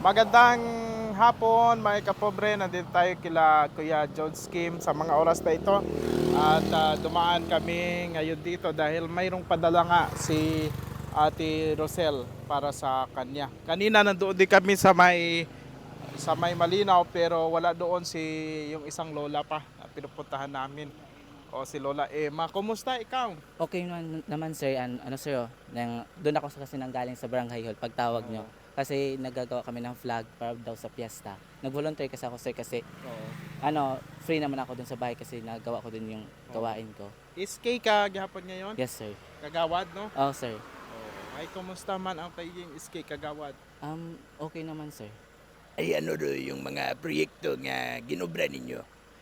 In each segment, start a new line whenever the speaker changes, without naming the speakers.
Magandang hapon mga kapobre, nandito tayo kila Kuya George Kim sa mga oras na ito. At dumaan kami ngayon dito dahil mayroong padala nga si Ate Rosel para sa kanya. Kanina nandoon din kami sa may Malinaw, pero wala doon yung isang lola pa na pinupuntahan namin. O si Lola Emma. Kumusta ikaw?
Okay naman sir, ano sir, doon ako kasi nanggaling sa barangay hall pagtawag nyo.
Oo.
Kasi nagagawa kami ng flag para daw sa piyesta. Nag-volunteer kasi ako sir kasi
Oo.
free naman ako dun sa bahay kasi nagawa ko dun yung
Oo.
gawain ko.
Iskay ka gihapon ngayon?
Yes sir.
Kagawad, no?
Oh sir.
Oh, ay kumusta man ang pagiging iskay kagawad?
Okay naman sir.
Ay ano do yung mga proyekto nga ginobra ninyo?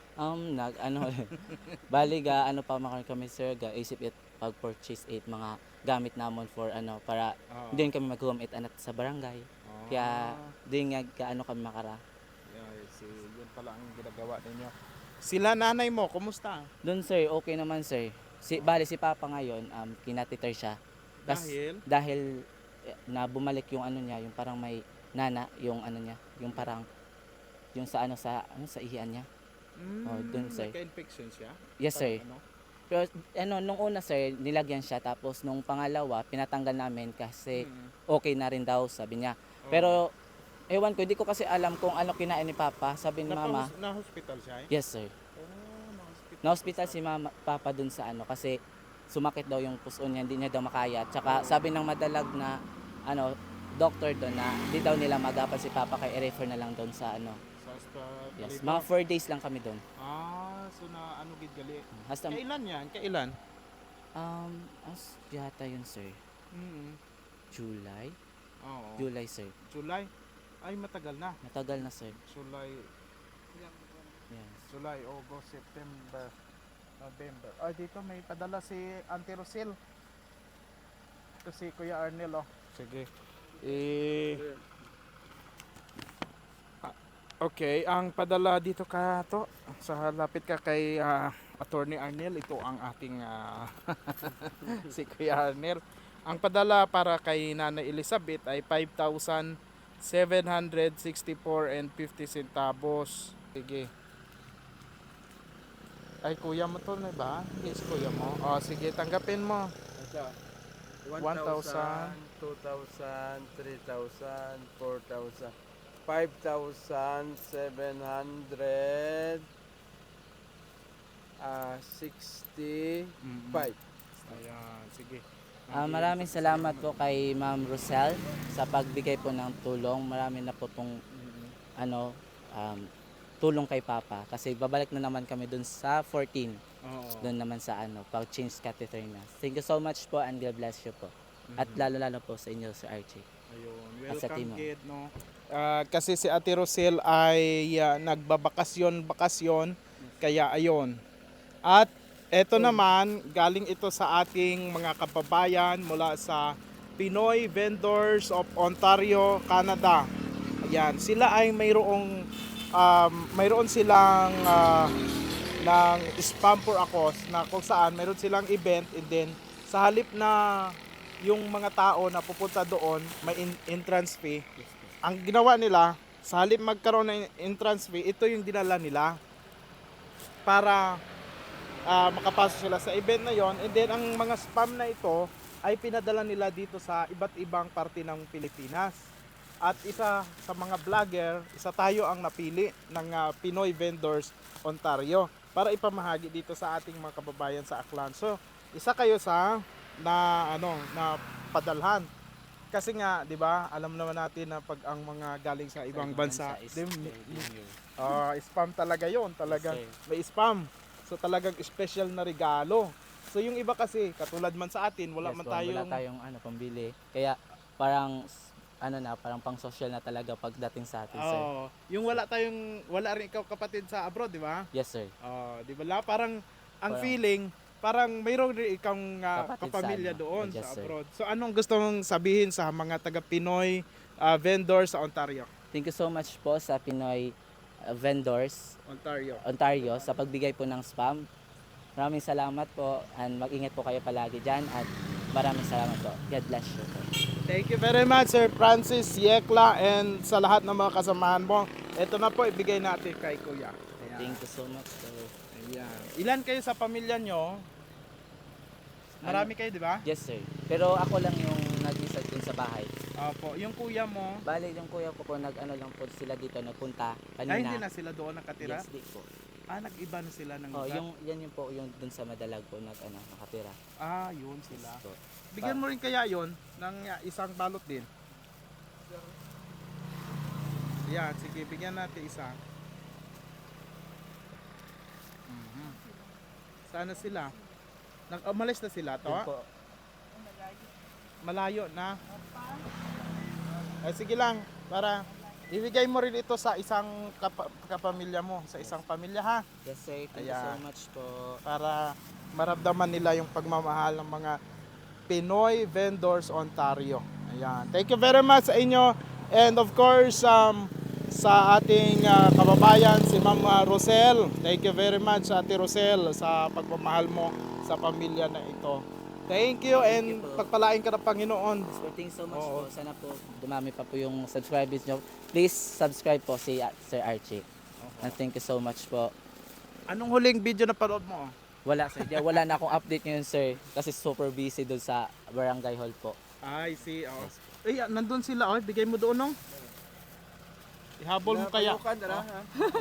Bali ano pa man kami sir, isip it pag-purchase it mga gamit namon for para
Oo.
hindi kami mag-home it anat sa barangay. Kaya
Ah,
din nga kami makara.
yun pala ang ginagawa ninyo. Sila nanay mo, kumusta?
Doon sir, okay naman sir. Bali si Papa ngayon, kinatiter siya.
Dahil?
Dahil na bumalik yung ano niya, yung parang may yung ano niya, yung parang yung sa ihian niya. Oh, dun, sir.
Nagka-infection siya?
Yes sir.
Ano?
Pero nung una sir, nilagyan siya tapos nung pangalawa pinatanggal namin kasi okay na rin daw sabi niya.
Oo.
Pero ewan ko, hindi ko kasi alam kung ano kinain ni Papa. Sabi ni Mama,
Na-hospital siya?
yes sir.
Oh, na-hospital.
Na-hospital si Papa dun sa kasi sumakit daw yung puso niya, hindi niya daw makaya. Tsaka sabi ng madalag na doctor doon na hindi daw nila magapan si Papa kaya i-refer na lang doon sa
Sa hospital.
Yes, mga 4 days lang kami doon.
So na ano gid gali?
Hasta
Kailan yan? Kailan?
yata yun sir.
Mm.
July?
Oo.
July sir.
July? Ay, matagal na.
Matagal na sir.
July,
Yes.
July, August, September, November. Ay, dito may padala si Auntie Rosel. Ito si Kuya Arnel, oh. Sige. Okay, ang padala dito ka to. Sa lapit ka kay Attorney Arnel. Ito ang ating si Kuya Arnel. Ang padala para kay Nanay Elizabeth ay 5,764 and 50 centavos. Sige. Ay, kuya mo to na ba? Yes, kuya mo. O, sige, tanggapin mo.
Asa?
1,000,
2,000, 3,000, 4,000, 5,700, 65.
Ayan, sige.
Maraming salamat po kay Ma'am Rosel sa pagbigay po ng tulong. Marami na po pong tulong kay Papa kasi babalik na naman kami dun sa 14.
Oo.
Doon naman sa pag-change catheter na. Thank you so much po and God bless you po. At lalo-lalo po sa inyo, Sir Archie.
Ayun,
At sa
welcome
team,
kid, no? Kasi si Ate Rosel ay nagbabakasyon, kaya ayun. At eto naman, galing ito sa ating mga kababayan mula sa Pinoy Vendors of Ontario, Canada. Ayan, sila ay mayroon silang ng spam for a cause na kung saan mayroon silang event, and then sa halip na yung mga tao na pupunta doon may entrance fee, ang ginawa nila sa halip magkaroon ng entrance fee, ito yung dinala nila para makapasok sila sa event na yon, and then ang mga spam na ito ay pinadala nila dito sa iba't ibang parte ng Pilipinas. At isa sa mga vlogger, isa tayo ang napili ng Pinoy Vendors Ontario para ipamahagi dito sa ating mga kababayan sa Aklan. So, isa kayo sa na padalhan. Kasi nga, 'di ba? Alam naman natin na pag ang mga galing sa ibang bansa, spam talaga 'yon, talagang
Yes, sir.
may spam. So talagang special na regalo. So yung iba kasi katulad man sa atin, wala
Yes,
man
po, wala
tayong
tayong pambili. Kaya parang parang pang social na talaga pagdating sa atin, sir.
Yung wala rin ikaw kapatid sa abroad, di ba?
Yes, sir.
Di ba? Parang ang
Parang-
feeling, parang mayroon rin ikang
Kapatid sa
kapamilya doon
Yes,
sa
sir.
abroad. So anong gusto mong sabihin sa mga taga Pinoy vendor sa Ontario?
Thank you so much po sa Pinoy Vendors Ontario sa pagbigay po ng spam. Maraming salamat po and mag-ingat po kayo palagi dyan at Maraming salamat po. God bless you po.
Thank you very much, Sir Francis Yekla, and sa lahat ng mga kasamahan mo. Ito na po, ibigay natin kay Kuya. Ayan.
Thank you so much po.
Ayan. Ilan kayo sa pamilya nyo? Marami kayo, di ba?
Yes sir. Pero ako lang yung nag-isa dun sa bahay.
Opo. Yung kuya mo,
Bali, yung kuya ko po, nag-ano lang po sila dito, nagpunta
ay
kanina.
hindi na sila doon nakatira?
Yes, di po.
Ah, nag-iba na sila ng
Oh,
lugar?
yan yung po, yung dun sa Madalag po, nakatira.
Ah, yun sila.
Yes po.
Bigyan mo rin kaya yun ng isang balot din. Yan, sige, bigyan natin isa. Mhm. Sana sila. Umalis na sila to?
Yun po.
Malayo na. Ay, sige lang, para ibigay mo rin ito sa isang kapamilya mo, sa isang pamilya ha,
Yes sir, thank you so
Ayan.
much po.
para maramdaman nila yung pagmamahal ng mga Pinoy Vendors Ontario. Ayan. Thank you very much sa inyo, and of course sa ating kababayan si Ma'am Rosel. Thank you very much Ate Rosel sa pagmamahal mo sa pamilya na ito. Thank you, and
you po.
pagpalain ka ng Panginoon.
So, thank you so much
Oo.
po. Sana po dumami pa po yung subscribers nyo. Please subscribe po si Sir Archie. And thank you so much po.
Anong huling video na panood mo?
Wala sir, wala na akong update ngayon sir. Kasi super busy doon sa Barangay Hall po.
I see. Oh. Eh, nandun sila. Oh. Bigay mo doon, no? Ihabol mo kaya.
Palukan, tara,
Oh.
ha?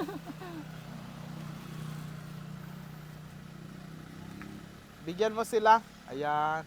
Bigyan mo sila. Ayan.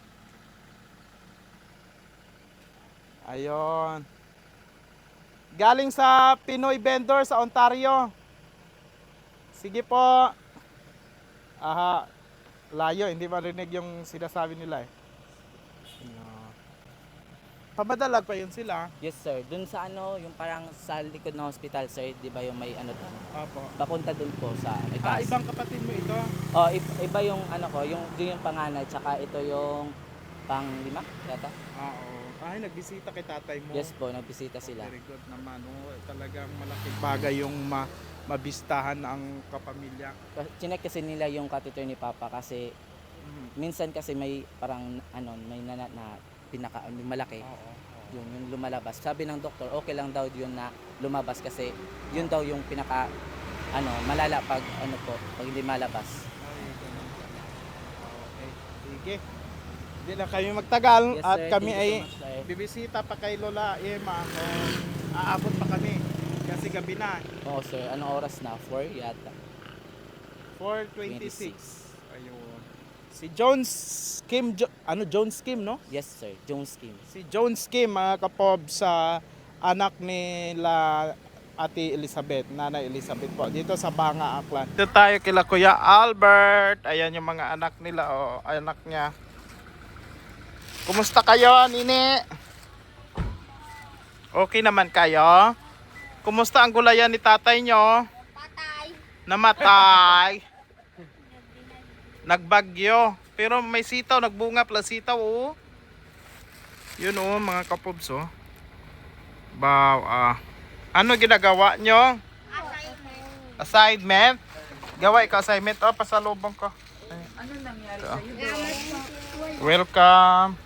Ayon. Galing sa Pinoy Vendor sa Ontario. Sige po. Aha. Layo, hindi marinig yung sinasabi nila eh. Ayan. Pamadalag pa yun sila.
Yes sir, doon sa ano, yung parang sa likod ng hospital sir, di ba yung may ano doon?
Opo.
Papunta doon po sa may
Ah,
taas.
ibang kapatid mo ito.
Oh, iba yung ano ko, yung panganay, tsaka ito yung panglima yata.
Oo. Ay, nagbisita kay tatay mo.
Yes po, nagbisita sila.
Very good naman. Oh, talagang malaking bagay yung mabistahan ang kapamilya.
Chinek kasi nila yung catheter ni Papa kasi minsan kasi may parang ano, may na pinaka may malaki.
Oo.
Yung lumalabas. Sabi ng doktor, okay lang daw yun na lumabas kasi yun daw yung pinaka ano, malala pag ano po, pag hindi malabas.
Ay, ganun pala. Okay. Sige. Hindi na kami magtagal
Yes,
at
sir.
kami
Thank
ay
you so much, sir.
bibisita pa kay Lola Emma kung aabot pa kami kasi gabi na.
Oo sir, anong oras na? 4 yata.
4:26. Ayun. Si Jones Kim, Jones Kim, no?
Yes sir, Jones Kim.
Si Jones Kim, mga kapob, sa anak nila Ate Elizabeth, Nanay Elizabeth po, dito sa Banga, Aklan. Dito tayo kila Kuya Albert. Ayan yung mga anak nila, oh, anak niya. Kumusta kayo, Nini? Okay naman kayo? Kumusta ang gulayan ni tatay nyo?
Patay.
Namatay. Nagbagyo. Pero may sitaw, nagbunga pala sitaw, oh. Yun, oh, mga kapobs, oh. Ano ginagawa nyo?
Assignment.
Assignment? Gawa ikaw assignment. Oh, pasalubong ko.
Ano nangyari sa'yo?
Welcome.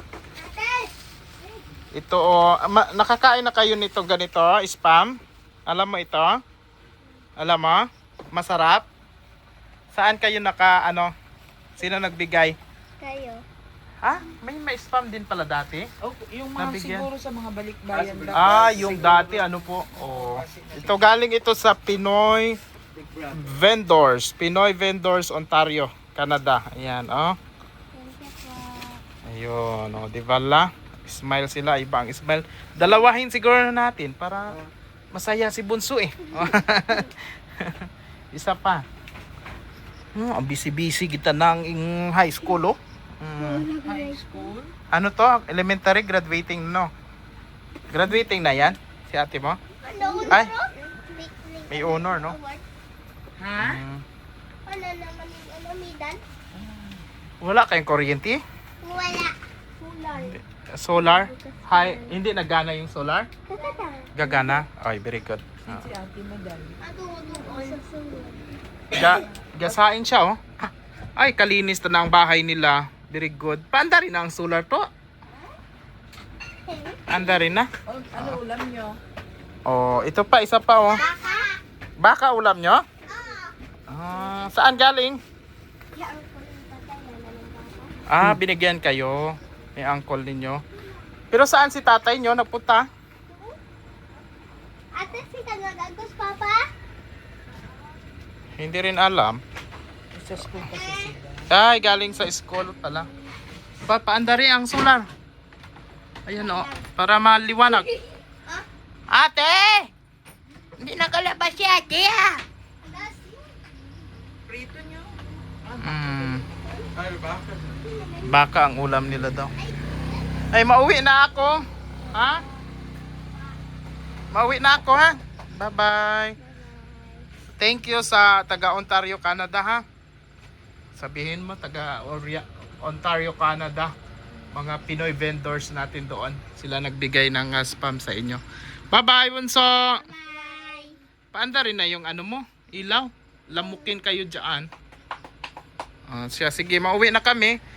Ito, oh. Nakakain na kayo nito ganito, spam? Alam mo ito? Alam mo? Masarap? Saan kayo sino nagbigay?
Kayo.
Ha? May spam din pala dati?
Oh, yung mga
Nabigyan.
siguro sa mga balikbayan dapat.
Ah, yung dati ano po? Oh. Ito galing ito sa Pinoy Vendors. Pinoy Vendors Ontario, Canada. Ayan, oh.
Thank you po.
Ayun, oh, di ba la? Smile sila, ibang smile. Dalawahin siguro natin para masaya si Bunso eh. Isa pa. Ang busy-busy kita ng high school, oh.
High school.
Ano to? Elementary graduating, no? Graduating na yan? Si ate mo? Ay, may honor, no?
Ha?
Wala naman yung medal.
Wala kayong kuryente?
Wala. Kulay.
Solar? Hi, hindi nagana yung solar?
Kakata.
Gagana? Ay, very good. Ah.
Si Ate Madal.
Ato sa sunod.
Gasain siya, oh. Ay, kalinis na ang bahay nila. Very good. Paanda rin na ang solar to. Anda rin na.
Oh, ano ulam nyo?
Oh, ito pa, isa pa oh.
Baka.
Baka ulam nyo? Saan galing?
Yan ko yung tatay na ng baka.
Binigyan kayo ni uncle ninyo. Pero saan si tatay nyo napunta?
Ate, si Tagagagos, Papa?
Hindi rin alam.
Sa school kasi sila.
Ay, galing sa school pala. Paanda rin ang solar. Ayan oh, para maliwanag. Ate! Hindi nakalabas si ate ah!
Prito nyo?
Baka ang ulam nila daw. Ay, mauwi na ako. Ha? Mauwi na ako ha. Bye-bye. Thank you sa taga Ontario, Canada ha. Sabihin mo taga Ontario, Canada. Mga Pinoy vendors natin doon. Sila nagbigay ng spam sa inyo. Bye-bye, Bunso.
Bye.
Paanda rin na yung ano mo, ilaw. Lamukin kayo dyan. Sige, mauwi na kami.